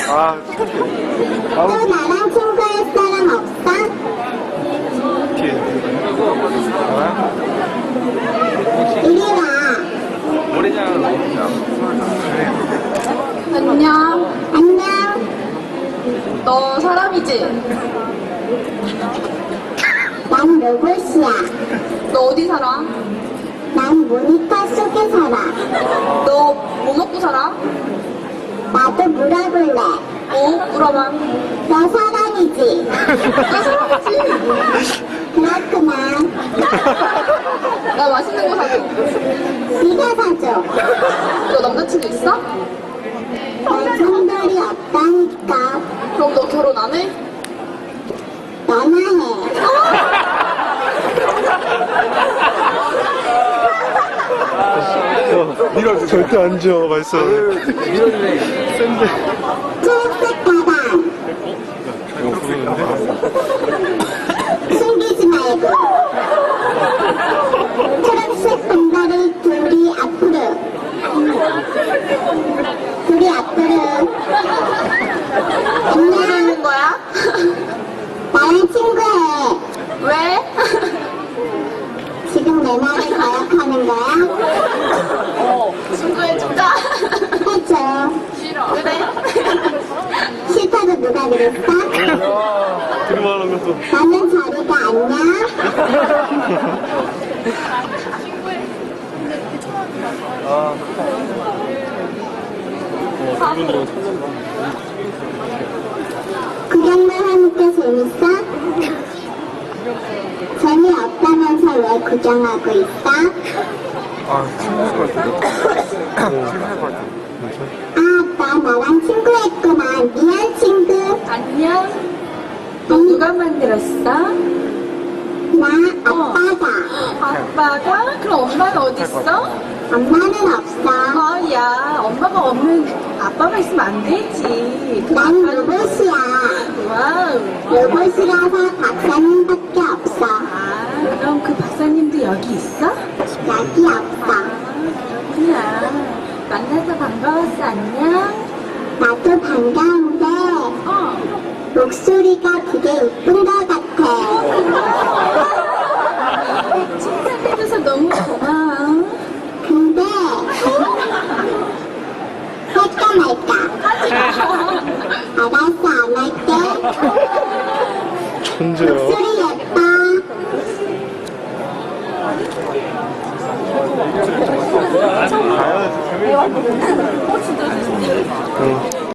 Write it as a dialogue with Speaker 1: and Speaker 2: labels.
Speaker 1: 또 나랑 친구할 사람 없어? 이리 와.
Speaker 2: 안녕.
Speaker 1: 안녕.
Speaker 2: 너 사람이지?
Speaker 1: 난 로봇이야.
Speaker 2: 너 어디 살아?
Speaker 1: 난 모니터 속에 살아.
Speaker 2: 너 뭐 먹고 살아?
Speaker 1: 나도 물어볼래.
Speaker 2: 뭐? 물어봐.
Speaker 1: 너 사람이지?
Speaker 2: 나 사람이지?
Speaker 1: 그렇구나.
Speaker 2: 나 맛있는 거 사줘.
Speaker 1: 네가 사줘.
Speaker 2: 너 남자친구 있어?
Speaker 1: 내 정돌이 없다니까.
Speaker 2: 그럼 너 결혼 안 해?
Speaker 1: 나나 해.
Speaker 3: 밀어주세요. 절대 안 줘, 맛있어.
Speaker 4: 밀어주네.
Speaker 3: 센데.
Speaker 1: 초록색 가방.
Speaker 3: 이거 부르는데?
Speaker 1: 숨기지 말고. 초록색 분발을 둘이 앞으로. 둘이 앞으로. 안녕.
Speaker 2: 모르는 거야?
Speaker 1: 나랑 친구해.
Speaker 2: 왜?
Speaker 1: 지금 내 말을 거역하는 거야?
Speaker 2: 친구해줄까?
Speaker 1: 해줘.
Speaker 2: 싫어. 그래?
Speaker 1: 싫다고 누가 그랬어?
Speaker 3: 그만한 것도.
Speaker 1: 나는 저리가 안녕. 구경만 하니까 재밌어? 재미없다면서 왜 구경하고 있어? 나 나랑 친구했구나. 미안 친구.
Speaker 2: 안녕. 너 누가 만들었어?
Speaker 1: 나 아빠가.
Speaker 2: 아빠가? 그럼 엄마는 어디 있어?
Speaker 1: 엄마는 없어.
Speaker 2: 야, 엄마가 없는 아빠만 있으면 안 되지.
Speaker 1: 난 로봇이야.
Speaker 2: 와우.
Speaker 1: 로봇이라서 박사님밖에 없어.
Speaker 2: 그럼 그 박사님도 여기 있어?
Speaker 1: 여기 없어.
Speaker 2: 그렇구나. 만나서 반가웠어. 안녕.
Speaker 1: 나도 반가운데 목소리가 되게 이쁜 것 같아.
Speaker 2: 칭찬해줘서 너무 고마워.
Speaker 1: 근데 할까 말까? 알았어, 안 할게.
Speaker 3: 천재야.
Speaker 1: 목소리 예뻐.
Speaker 3: 응.